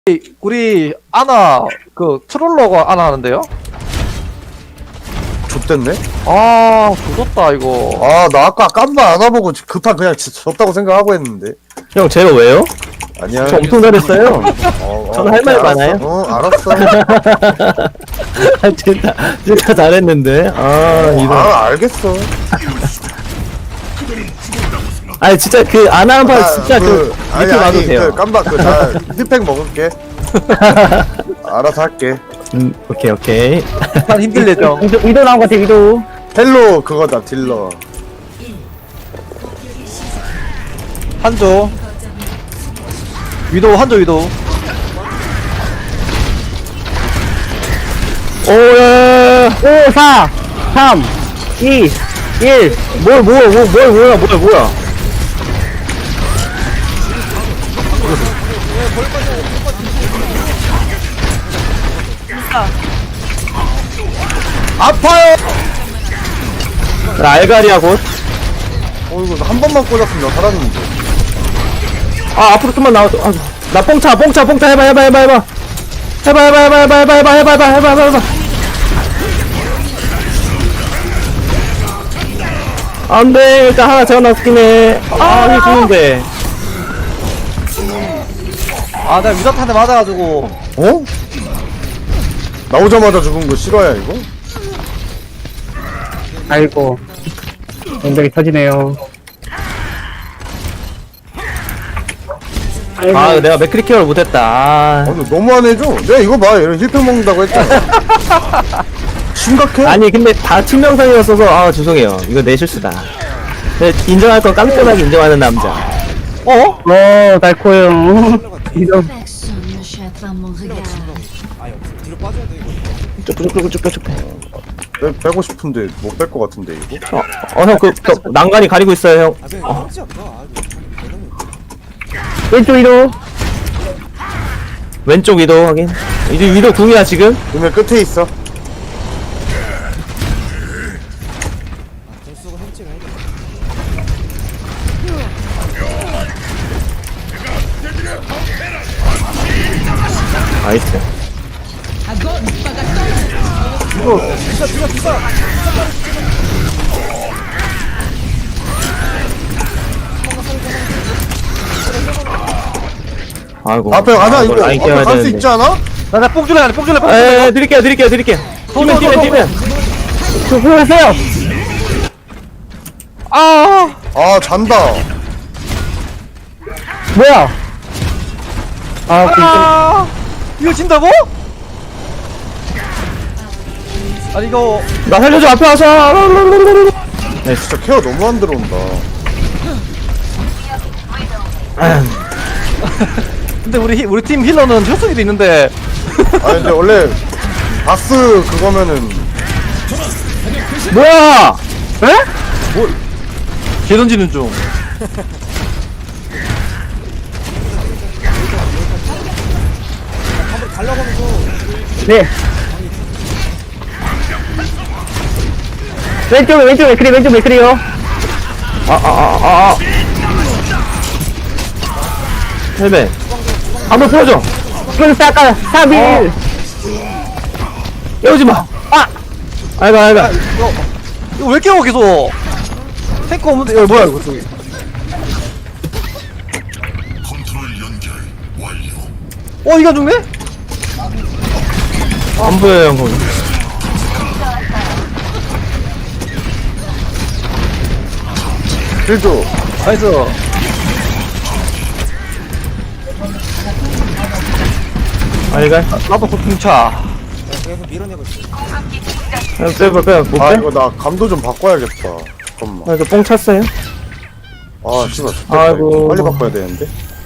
우리 아나 그 트롤러가 아나 하는데요? 좆됐네? 아 조졌다 이거. 아, 나 아까 깜바 안 와보고 급한 그냥 졌다고 생각하고 했는데. 형 제가 왜요? 아니야. 저 엄청 잘했어요. 저는 할 말 알았어. 많아요. 알았어. 진짜 잘했는데. 이거. 알겠어. 아니 진짜 그 아나한파 진짜 아니, 밑에 봐도 아니, 돼요. 깜바, 나 힐팩 먹을게. 알아서 할게. 오케이. 한 힘들 예정. 위도 나온 것 같아 위도. 헬로 그거다, 딜러. 한조. 위도 한조 위도. 5, 4, 3, 2, 1. 뭐야. 아파요! 알가리야 곧. 이거 한 번만 꽂았으면 나 살았는데. 앞으로 좀만 나와줘. 나 뽕차 해봐. 안돼, 일단 하나 재워놨긴 해. 이게 좋은데. 아 내가 위다탄에 맞아가지고. 어? 나오자마자 죽은 거 실화야, 이거? 아이고 엉덩이 터지네요. 아이고 내가 맥크리 케어를 못했다. 너 너무 안 해줘. 내가 이거 봐, 이런 힐팩 먹는다고 했잖아. 심각해? 아니, 근데 다 팀명상이었어서, 죄송해요. 이거 내 실수다. 인정할 건 깜깜하게 인정하는 남자. 달코요. 이런 Personne ne jette mon regard. 쭉. 빼고 싶은데 못 뺄 것 같은데, 이거? 형, 난간이 가리고 있어요, 형. 왼쪽 위로. 왼쪽 위도 확인. 이제 위도 궁이야, 지금? 그러면 끝에 있어. 나이스. 아이고. 앞에 가자, 이거. 라인 앞에 깨워야 갈 수 되는데. 있지 않아? 나 뽕줄래 안해 뽕줄래. 드릴게요. 뛰면. 수고하세요. 아 잔다. 뭐야? 이거 진다고? 아니 이거 나 살려줘, 앞에 와서. 진짜 케어 너무 안 들어온다. 근데 우리 팀 힐러는 효성이도 있는데. 근데 원래 바스 그거면은 뭐야! 개 던지는 중. 네. 왼쪽 맥크리요. 헬멧. 한번 풀어줘. 그래서 아까 3일. 깨우지 마. 아이고. 이거 왜 깨워 계속? 탱커 없는데 이거 뭐야 이거 저기. 이거 안 죽네? 안 보여요, 형, 거기. 딜도 나이스. 알갈. 나도 고통차. 빼봐. 못 빼? 이거 나 감도 좀 바꿔야겠다. 잠깐만. 이거 뽕 찼어요? 씨발. 아이고. 빨리 바꿔야 되는데.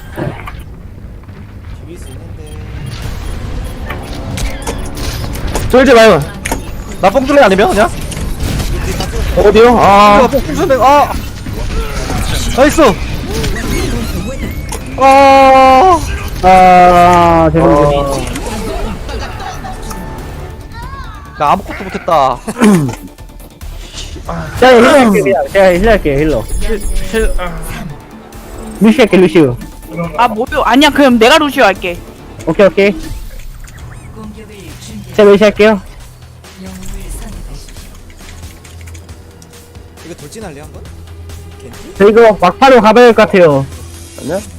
쫄지 마요. 나 뽕줄래 아니면 그냥? 어디요? 뽕줄래. 나이스. 죄송해요. 나 아무것도 못했다. 제가 힐러 할게요, 힐러. 루시 할게, 루시우. 아 뭐요? 아니야 그럼 내가 루시오 할게. 오케이 오케이 공격을 준비. 제가 메시 할게요 영웅을 선택하십시오. 이거 돌진할래 한번? 겐지? 저 이거 막파로 가봐야 할 것 같아요 아니야?